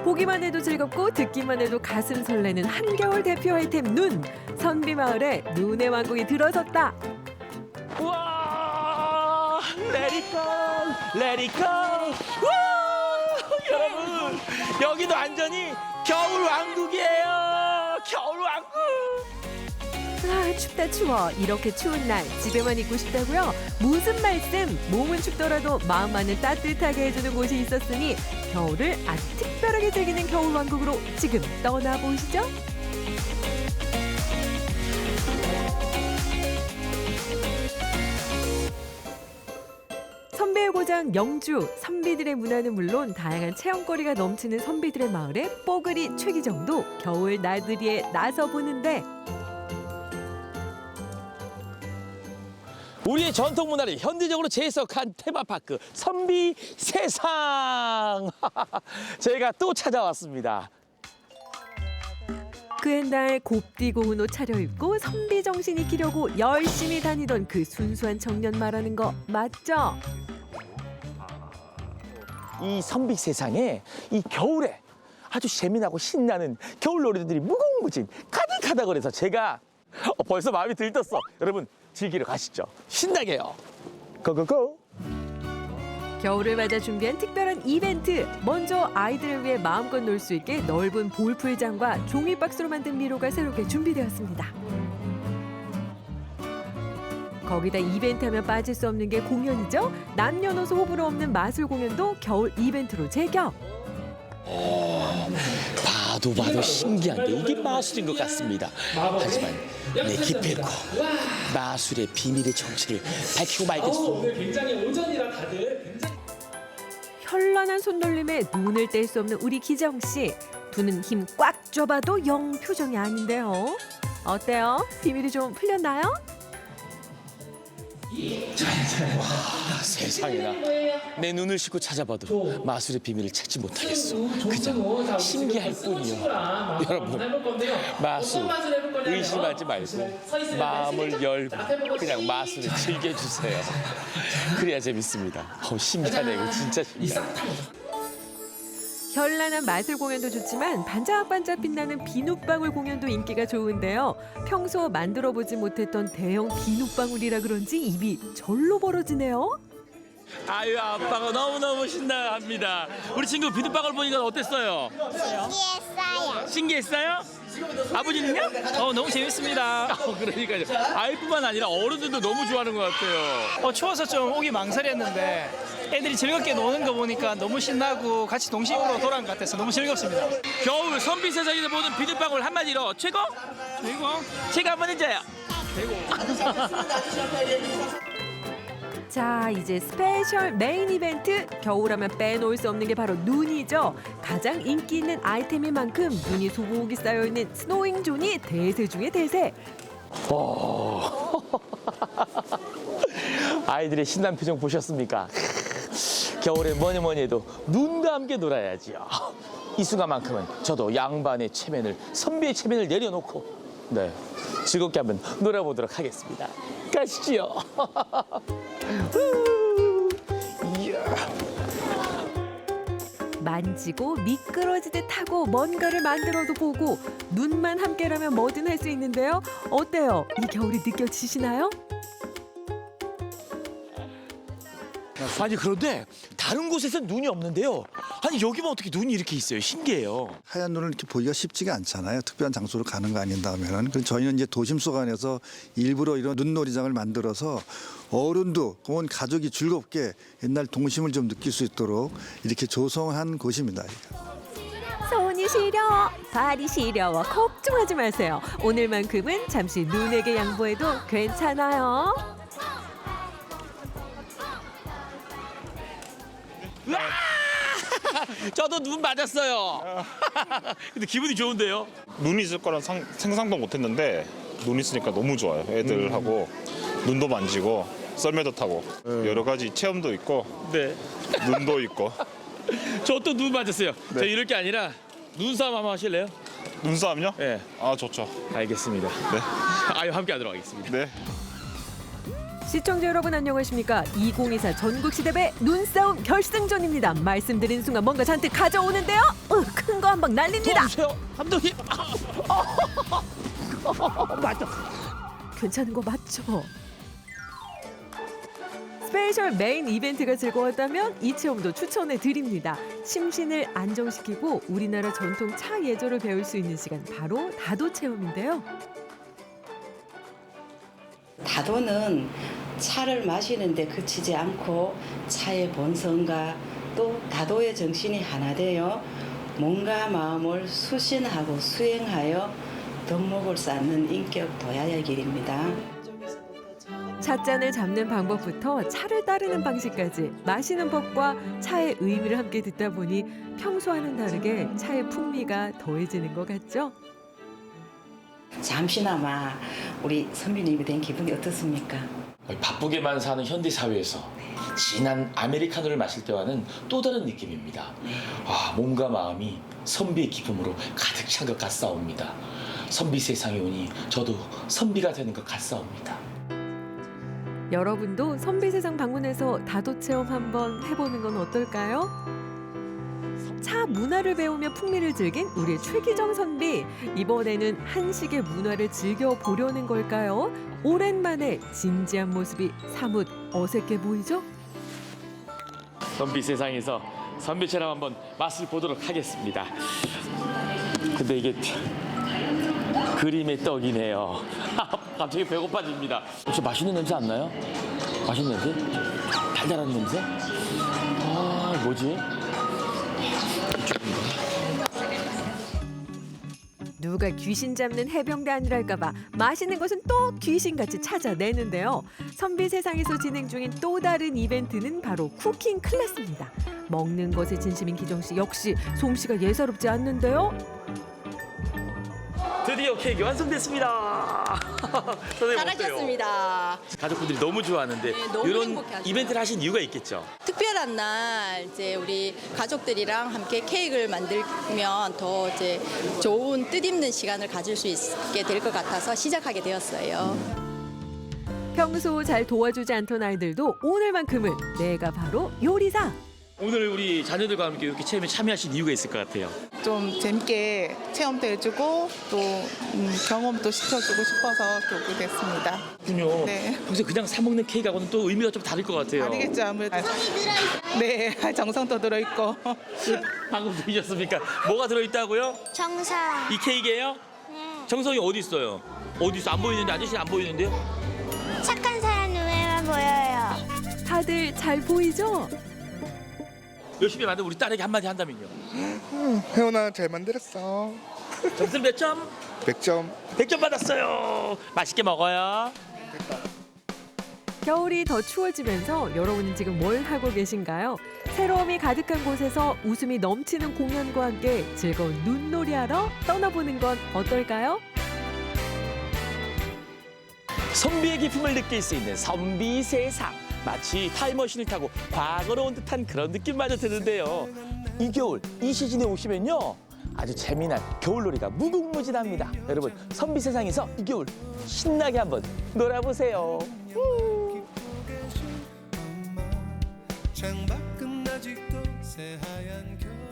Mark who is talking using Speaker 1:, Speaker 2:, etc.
Speaker 1: 보기만 해도 즐겁고 듣기만 해도 가슴 설레는 한겨울 대표 아이템 눈. 선비마을에 눈의 왕국이 들어섰다.
Speaker 2: 우와! Let it go! Let it go! 우와! 여러분, 여기도 완전히 겨울 왕국이에요! 겨울 왕국!
Speaker 1: 아, 춥다 추워. 이렇게 추운 날 집에만 있고 싶다고요? 무슨 말씀? 몸은 춥더라도 마음만은 따뜻하게 해주는 곳이 있었으니 겨울을 아주 특별하게 즐기는 겨울 왕국으로 지금 떠나보시죠. 선비의 고장 영주. 선비들의 문화는 물론 다양한 체험거리가 넘치는 선비들의 마을에 뽀글이 최기정도 겨울 나들이에 나서보는데
Speaker 2: 우리의 전통 문화를 현대적으로 재해석한 테마파크 선비 세상. 제가 또 찾아왔습니다.
Speaker 1: 그 옛날 곱디고운 옷 차려입고 선비 정신 익히려고 열심히 다니던 그 순수한 청년 말하는 거 맞죠?
Speaker 2: 이 선비 세상에 이 겨울에 아주 재미나고 신나는 겨울 놀이들이 무궁무진 가득하다 그래서 제가 벌써 마음이 들떴어. 여러분 즐기러 가시죠. 신나게요. 고고고.
Speaker 1: 겨울을 맞아 준비한 특별한 이벤트. 먼저 아이들을 위해 마음껏 놀 수 있게 넓은 볼풀장과 종이박스로 만든 미로가 새롭게 준비되었습니다. 거기다 이벤트 하면 빠질 수 없는 게 공연이죠. 남녀노소 호불호 없는 마술 공연도 겨울 이벤트로 제격.
Speaker 2: 봐도 신기한데 이게 마술인 것 같습니다. 하지만 내 기필코 마술의 비밀의 정체를 밝히고 말겠소.
Speaker 3: 굉장히 오전이라 다들 굉장히
Speaker 1: 현란한 손놀림에 눈을 뗄 수 없는 우리 기정 씨. 두 눈 힘 꽉 줘봐도 영 표정이 아닌데요. 어때요? 비밀이 좀 풀렸나요?
Speaker 2: 세상에나 내 눈을 씻고 찾아봐도 마술의 비밀을 찾지 못하겠어. 그냥 신기할 뿐이요. 여러분 마술 의심하지 말고 마음을 열고 그냥 마술을 즐겨주세요. 그래야 재밌습니다. 신기하네 이거 진짜 신기하네.
Speaker 1: 현란한 마술 공연도 좋지만 반짝반짝 빛나는 비눗방울 공연도 인기가 좋은데요. 평소 만들어보지 못했던 대형 비눗방울이라 그런지 입이 절로 벌어지네요.
Speaker 2: 아유 아빠가 너무너무 신나합니다. 우리 친구 비눗방울 보니까 어땠어요?
Speaker 4: 신기했어요.
Speaker 2: 신기했어요? 아버지는요?
Speaker 3: 너무 재밌습니다.
Speaker 2: 그러니까요. 아이뿐만 아니라 어른들도 너무 좋아하는 것 같아요.
Speaker 3: 추워서 좀 오기 망설였는데 애들이 즐겁게 노는 거 보니까 너무 신나고 같이 동심으로 돌아온 것 같아서 너무 즐겁습니다.
Speaker 2: 겨울 선비 세상에서 보는 비눗방울 한마디로 최고? 최고 한번 해줘요.
Speaker 1: 자, 이제 스페셜 메인 이벤트. 겨울하면 빼놓을 수 없는 게 바로 눈이죠. 가장 인기 있는 아이템인 만큼 눈이 소복이 쌓여있는 스노잉 존이 대세 중의 대세.
Speaker 2: 아이들의 신난 표정 보셨습니까? 겨울에 뭐니 해도 눈과 함께 놀아야지요. 이 순간만큼은 저도 양반의 체면을 선비의 체면을 내려놓고 네 즐겁게 한번 놀아보도록 하겠습니다. 가시지요.
Speaker 1: 만지고 미끄러지듯 하고 뭔가를 만들어도 보고 눈만 함께라면 뭐든 할 수 있는데요. 어때요? 이 겨울이 느껴지시나요?
Speaker 2: 아니 그런데 다른 곳에서는 눈이 없는데요. 아니 여기만 어떻게 눈이 이렇게 있어요? 신기해요.
Speaker 5: 하얀 눈을 이렇게 보기가 쉽지가 않잖아요. 특별한 장소로 가는 거 아닌다면은. 그래서 저희는 이제 도심 속 안에서 일부러 이런 눈놀이장을 만들어서 어른도 온 가족이 즐겁게 옛날 동심을 좀 느낄 수 있도록 이렇게 조성한 곳입니다.
Speaker 1: 손이 시려, 발이 시려워 걱정하지 마세요. 오늘만큼은 잠시 눈에게 양보해도 괜찮아요.
Speaker 2: 저도 눈 맞았어요. 근데 기분이 좋은데요?
Speaker 6: 눈이 있을 거란 상상도 못했는데 눈 있으니까 너무 좋아요. 애들하고 눈도 만지고 썰매도 타고 여러 가지 체험도 있고
Speaker 2: 네.
Speaker 6: 눈도 있고.
Speaker 2: 저 또 눈 맞았어요.
Speaker 6: 네.
Speaker 2: 저 이럴 게 아니라 눈싸움 한번 하실래요?
Speaker 6: 눈싸움요?
Speaker 2: 네.
Speaker 6: 아 좋죠.
Speaker 2: 알겠습니다.
Speaker 6: 네.
Speaker 2: 아유 함께 하도록 하겠습니다.
Speaker 6: 네.
Speaker 1: 시청자 여러분 안녕하십니까? 2024 전국시대배 눈싸움 결승전입니다. 말씀드린 순간 뭔가 잔뜩 가져오는데요. 큰 거 한 방 날립니다.
Speaker 2: 도와주세요, 감독님. 맞다.
Speaker 1: 괜찮은 거 맞죠? 스페셜 메인 이벤트가 즐거웠다면 이 체험도 추천해 드립니다. 심신을 안정시키고 우리나라 전통 차 예절을 배울 수 있는 시간 바로 다도 체험인데요.
Speaker 7: 다도는 차를 마시는데 그치지 않고 차의 본성과 또 다도의 정신이 하나 되어 몸과 마음을 수신하고 수행하여 덕목을 쌓는 인격 도야의 길입니다.
Speaker 1: 찻잔을 잡는 방법부터 차를 따르는 방식까지 마시는 법과 차의 의미를 함께 듣다 보니 평소와는 다르게 차의 풍미가 더해지는 것 같죠?
Speaker 7: 잠시나마 우리 선배님이 된 기분이 어떻습니까?
Speaker 2: 바쁘게만 사는 현대 사회에서 진한 아메리카노를 마실 때와는 또 다른 느낌입니다. 몸과 마음이 선비의 기쁨으로 가득 찬 것 같사옵니다. 선비 세상에 오니 저도 선비가 되는 것 같사옵니다.
Speaker 1: 여러분도 선비세상 방문해서 다도 체험 한번 해보는 건 어떨까요? 차 문화를 배우며 풍미를 즐긴 우리 최기정 선비. 이번에는 한식의 문화를 즐겨보려는 걸까요? 오랜만에 진지한 모습이 사뭇 어색해 보이죠?
Speaker 2: 선비 세상에서 선비처럼 한번 맛을 보도록 하겠습니다. 근데 이게 그림의 떡이네요. 갑자기 배고파집니다. 혹시 맛있는 냄새 안 나요? 맛있는 냄새? 달달한 냄새? 뭐지?
Speaker 1: 누가 귀신 잡는 해병대 아니랄까봐 맛있는 것은 또 귀신같이 찾아내는데요. 선비 세상에서 진행 중인 또 다른 이벤트는 바로 쿠킹 클래스입니다. 먹는 것에 진심인 기정 씨 역시 솜씨가 예사롭지 않는데요.
Speaker 2: 드디어 케이크 완성됐습니다. 선생님
Speaker 8: 잘하셨습니다.
Speaker 2: 가족분들이 너무 좋아하는데
Speaker 8: 네, 너무
Speaker 2: 이런
Speaker 8: 행복해하죠.
Speaker 2: 이벤트를 하신 이유가 있겠죠?
Speaker 8: 특별한 날 이제 우리 가족들이랑 함께 케이크를 만들면 더 이제 좋은 뜻있는 시간을 가질 수 있게 될 것 같아서 시작하게 되었어요.
Speaker 1: 평소 잘 도와주지 않던 아이들도 오늘만큼은 내가 바로 요리사.
Speaker 2: 오늘 우리 자녀들과 함께 이렇게 체험에 참여하신 이유가 있을 것 같아요.
Speaker 9: 좀 재밌게 체험도 해주고 또 경험도 시켜주고 싶어서 이렇게 오게 됐습니다.
Speaker 2: 그렇군요.
Speaker 9: 네.
Speaker 2: 평소에 그냥 사 먹는 케이크하고는 또 의미가 좀 다를 것 같아요.
Speaker 9: 다르겠죠 아무래도. 네, 정성도 들어있고.
Speaker 2: 방금 들으셨습니까? 뭐가 들어있다고요?
Speaker 4: 정성.
Speaker 2: 이 케이크예요? 정성이 어디 있어요? 어디 있어? 안 보이는데 아저씨는 안 보이는데요?
Speaker 4: 착한 사람 눈에만 보여요.
Speaker 1: 다들 잘 보이죠?
Speaker 2: 열심히 만든 우리 딸에게 한마디 한다면요.
Speaker 10: 혜원아 잘 만들었어.
Speaker 2: 점수 몇 점?
Speaker 10: 100점.
Speaker 2: 100점 받았어요. 맛있게 먹어요.
Speaker 1: 겨울이 더 추워지면서 여러분은 지금 뭘 하고 계신가요? 새로움이 가득한 곳에서 웃음이 넘치는 공연과 함께 즐거운 눈놀이하러 떠나보는 건 어떨까요?
Speaker 2: 선비의 기품을 느낄 수 있는 선비 세상. 마치 타임머신을 타고 과거로 온 듯한 그런 느낌마저 드는데요. 이 겨울 이 시즌에 오시면요. 아주 재미난 겨울놀이가 무궁무진합니다. 여러분 선비 세상에서 이 겨울 신나게 한번 놀아보세요.
Speaker 11: 창밖은 아직도 새하얀 겨울